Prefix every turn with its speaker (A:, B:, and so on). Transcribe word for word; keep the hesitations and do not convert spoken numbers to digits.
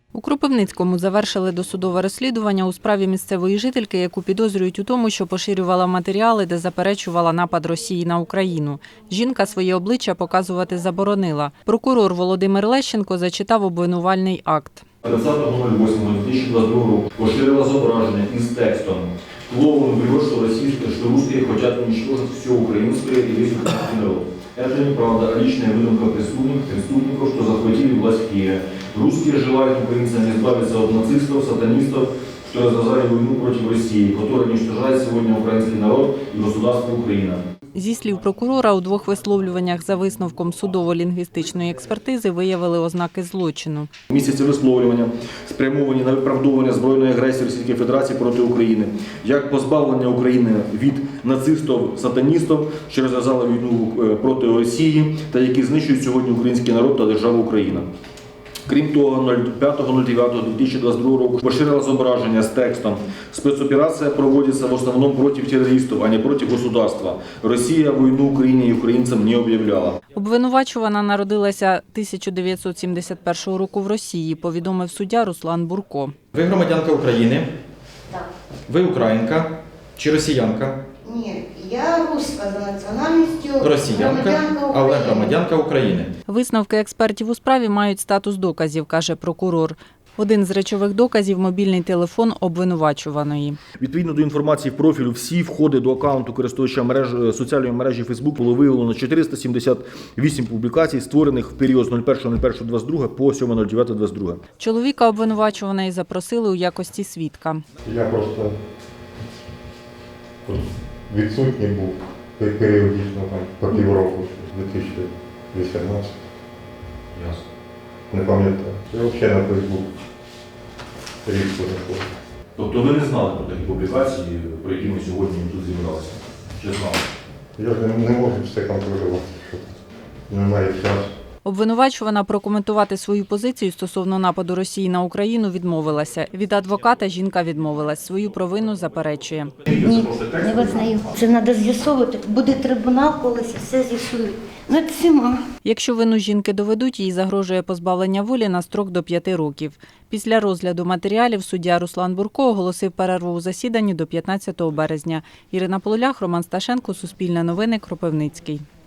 A: У Кропивницькому завершили досудове розслідування у справі місцевої жительки, яку підозрюють у тому, що поширювала матеріали, де заперечувала напад Росії на Україну. Жінка своє обличчя показувати заборонила. Прокурор Володимир Лещенко зачитав обвинувальний акт.
B: тридцятого восьмого дві тисячі двадцять другого року поширила зображення із текстом «Клоун врет, что российские, что русские хотят уничтожить все украинское и весь украинский народ. Это неправда, а личная выдумка преступников, преступников, что захватили власть в Киеве. Русские желают украинцам избавиться от нацистов, сатанистов, что развязали войну против России, которая уничтожает сегодня украинский народ и государство Украина».
A: Зі слів прокурора, у двох висловлюваннях за висновком судово-лінгвістичної експертизи виявили ознаки злочину.
B: Містяться висловлювання, спрямовані на виправдовування збройної агресії Російської Федерації проти України, як позбавлення України від нацистів-сатаністів, що розв'язали війну проти Росії та які знищують сьогодні український народ та державу Україна. Крім того, п'ятого дев'ятого дві тисячі двадцять другого року поширила зображення з текстом «Спецоперація проводиться в основному проти терористів, а не проти государства. Росія війну Україні і українцям не об'являла».
A: Обвинувачувана народилася тисяча дев'ятсот сімдесят першого року в Росії, повідомив суддя Руслан Бурко.
C: Ви громадянка України?
D: Так.
C: Ви українка чи росіянка?
D: Ні, я руська за національністю,
C: Росіянка,
D: громадянка
C: але
D: України.
C: громадянка України.
A: Висновки експертів у справі мають статус доказів, каже прокурор. Один з речових доказів – мобільний телефон обвинувачуваної.
B: Відповідно до інформації в профілю, всі входи до акаунту користувача мережі, соціальної мережі Facebook було виявлено чотириста сімдесят вісім публікацій, створених в період з першого першого двадцять другого по сьомого дев'ятого двадцять другого.
A: Чоловіка обвинувачуваної запросили у якості свідка.
E: Я просто відсутній був періодично там по півроку, дві тисячі вісімнадцятого.
B: Ясно.
E: Не пам'ятаю. Я взагалі на Фейсбук рідко не ходив.
B: Тобто ви не знали про такі публікації, про які ми сьогодні тут зібралися? Чи знали?
E: Я ж не, не можу все контролювати, що немає часу.
A: Обвинувачувана прокоментувати свою позицію стосовно нападу Росії на Україну відмовилася. Від адвоката жінка відмовилась. Свою провину заперечує.
F: Ні, не визнаю. Це треба з'ясовувати. Буде трибунал колись, все з'ясують. Ну, це всіма.
A: Якщо вину жінки доведуть, їй загрожує позбавлення волі на строк до п'яти років. Після розгляду матеріалів суддя Руслан Бурко оголосив перерву у засіданні до п'ятнадцятого березня. Ірина Полулях, Роман Сташенко, Суспільне новини, Кропивницький.